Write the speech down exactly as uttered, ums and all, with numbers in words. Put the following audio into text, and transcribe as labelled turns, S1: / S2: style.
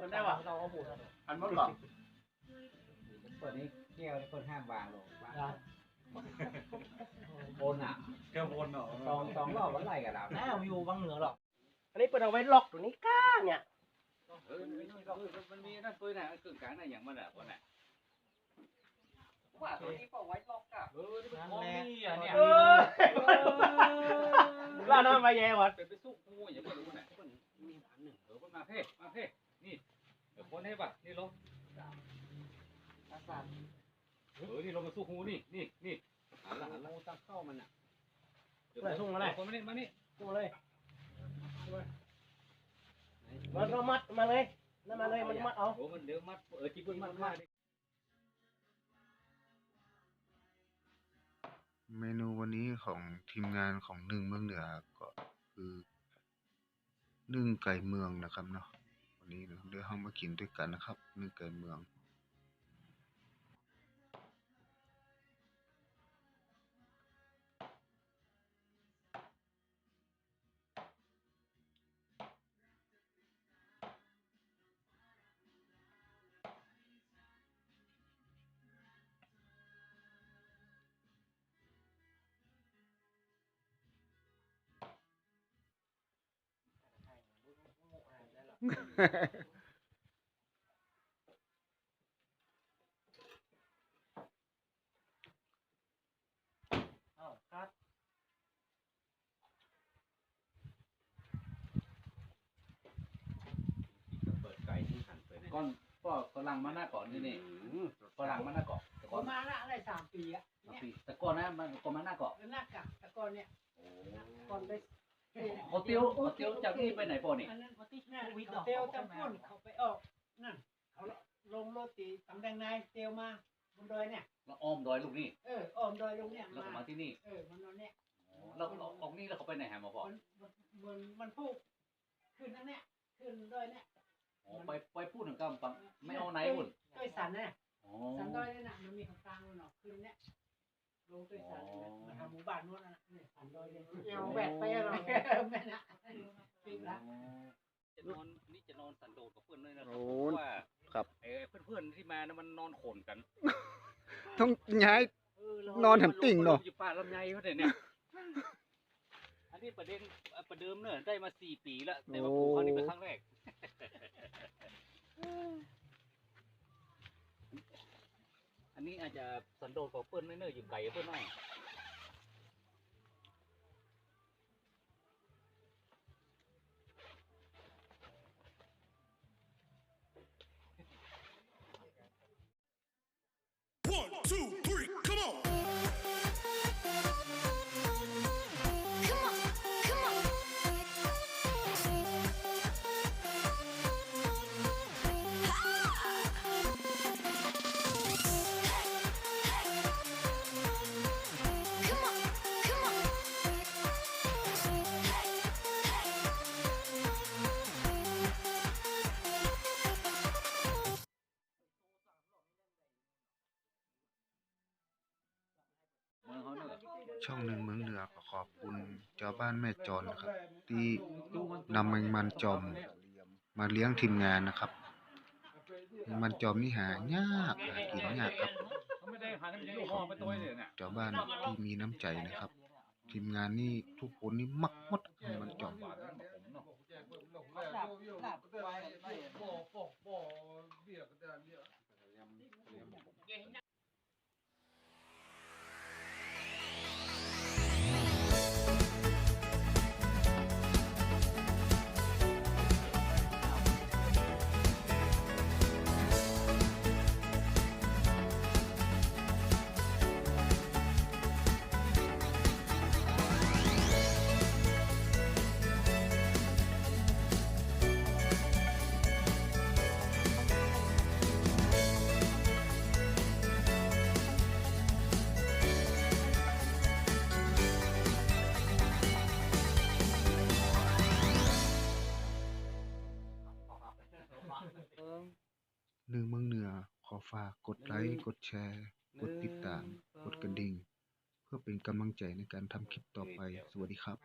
S1: มันได้ป่ะเราเอาหูอันมันหรอ
S2: เปิดนี้เกี่ยวเปิดห้ามวางลงโอนอ่ะ
S3: แค่วนเหรอ
S2: สองสองรอบวันไรกันแล้ว
S1: น่าวิวบางเหนือหรอกอันนี้เปิดเอาไว้ล็อกตัวนี้ก้าเนี่ย
S3: เออมันมีนั่นตัวไหนกึ่งกลางนั่นอย่างมันอ่ะคนไหนว่าตัวนี้เปล่าไว้ล็อกอ่ะเออนี่มันนี่อ่ะเนี่ย
S1: ล่าน้ำมาแย่วัด
S3: เป็นไปสู้งูอย่างไม่รู้ไหนคนมีฐานหนึ่งเออคนมาเพ่มาเพ่นี่เดี๋ยวคนให้ป่ะนี่ลงเออนี่ลงมาสู้งูนี่นี่นี่หันละหันละตั้งเข้ามันอ่ะ
S1: มาส่งอะไร
S3: คนมานี่มานี่
S1: ส่งเลยมันเรามัดมาเลยนั่นมาเลยมันมัดเอา
S3: โอ้มันเดี๋ยวมัดเออจีบุญมัดมา
S4: เมนูวันนี้ของทีมงานของหนึ่งเมืองเหนือก็คือนึ่งไก่เมืองนะครับเนาะวันนี้เดี๋ยวเรามากินด้วยกันนะครับนึ่งไก่เมือง
S1: อ้าวครับ
S3: เปิดไก่ที่หันไปก้อนก็ฝรั่งมาหน้าเกาะนี่นี่ฝรั่งมาหน้าเกาะแต่ก่อน
S5: มาละอะไรสามปีอะ
S3: ปีแต่ก่อนนะมันก่อนมาหน้าเกาะ
S5: หน้ากากแต่ก่อนเนี่ยก่อนไป
S3: เขาเตี้ยวเขาเตี้ยวจากนี่ไปไหนปอนี่
S5: อันนั้นเขาที่วิทย์เตียวจำพ่นเขาไปออกนั่นเขาลงโรตีตำแดงนายเตียวมาบนดอยเนี่ย
S3: แล้วอ้อมดอยลูกนี่
S5: เอออ้อมดอยลงเนี่ย
S3: แล้วก็มาที่นี่
S5: เออมันนอนเนี่ย
S3: แล้วออกนี่แล้วเขาไปไหนฮะมาพอ
S5: มันมันมันพูดขึ้นนั่นเนี่ยขึ้นดอยเนี่ย
S3: อ๋อไปไปพูดถึงกันไม่เอาไหนพุ่น
S5: ดอยสันเนี่ยสันดอยเนี่ยนะมันมีของกลางมันออกขึ้นเนี่ยลงดอยสันมาทำหมู่บ้านนู้นนะเนี่ยสันดอยเลยเอาแบกไปอะไรแม่นะปีละ
S3: จะนอนนี่จะนอนสันโดษกับเพื่อนเลยนะครับเพราะว่า
S4: ครับ
S3: ไอ้เพื่อนๆที่มานะมันนอนโขนกัน
S4: ต้องย้ายนอนแถมติ่งเนาะ
S3: อยู่ป่าลำไยเขาเนี่ยอันนี้ประเด็นประเดิมเนอะได้มาสี่ปีแล้วแต่ว่าปลูกครั้งนี้เป็นครั้งแรกอันนี้อาจจะสันโดษกับเพื่อนเนอะอยู่ไกลเพื่อนหน่อย
S4: ช่องหนึ่งเมืองเหนือขอขอบคุณเจ้าบ้านแม่จรนะครับที่นำแมงมันจอมมาเลี้ยงทีมงานนะครับแมงมันจอมนี่หายากหากินยากครับขอบคุณเจ้าบ้านที่มีน้ำใจนะครับทีมงานนี่ทุกคนนี่มักหมดแมงมันจอมหนึ่งเมืองเหนือขอฝากกดไลค์กดแชร์กดติดตามกดกระดิ่งเพื่อเป็นกำลังใจในการทำคลิปต่อไปสวัสดีครับ